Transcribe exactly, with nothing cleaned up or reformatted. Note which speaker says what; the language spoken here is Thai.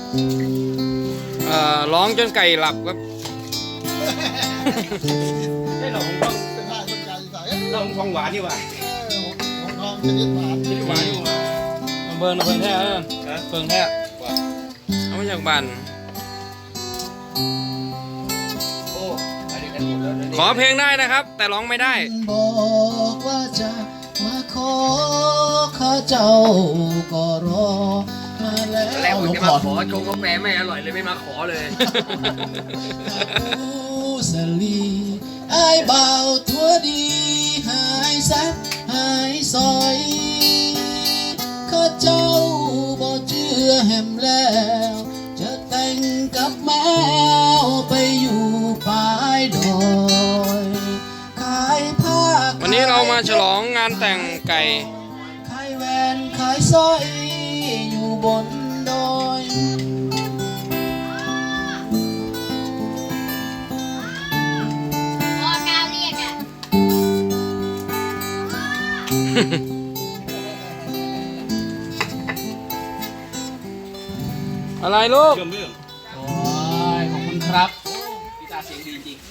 Speaker 1: เอ่อร้องจนไก่หลับครับ
Speaker 2: ไอ้เราของทอง
Speaker 3: เป็นท่าคนใจใส่
Speaker 2: เราของทองหวานนี่หว่า
Speaker 3: ของทองชนิดหวาน
Speaker 2: นี่หวานนี่หว่า
Speaker 1: เบิ่งนะเบิ่งแท้เออ
Speaker 2: ฮะ
Speaker 1: เบิ่งแท้เอามาจากบ้าน
Speaker 2: โอ้อันนี้กันหมดแล้วนะ
Speaker 1: ขอเพลงได้นะครับ แต่ร้องไม่ได้
Speaker 3: บอกว่าจะมาขอข้าเจ้าก็รอมาแล้ว
Speaker 2: แล้วผม
Speaker 3: หลวง
Speaker 2: จะ
Speaker 3: พ่
Speaker 2: มา
Speaker 3: อ
Speaker 2: ขอชงกาแฟไม่อร่อยเลยไม่มาขอเลย
Speaker 3: สลีไอ้เบาตัวดีหายซักหายซอยข้าเจ้าบ่เชื่อแหมแล้ว จะแต่งกับแมวไปอยู่ปลายดอยขายผ้า
Speaker 1: วันนี้เรามาฉลองงานแต่งไก่
Speaker 3: ขายแหวนขายสร้อยอยู่บนดอย
Speaker 4: พอกาวเรียกอ่ะ
Speaker 1: อะไรลูก
Speaker 2: เรื่องเรื่อง
Speaker 3: โอ้ยขอบคุณครับ
Speaker 2: กีตาร์เสียงดีจริง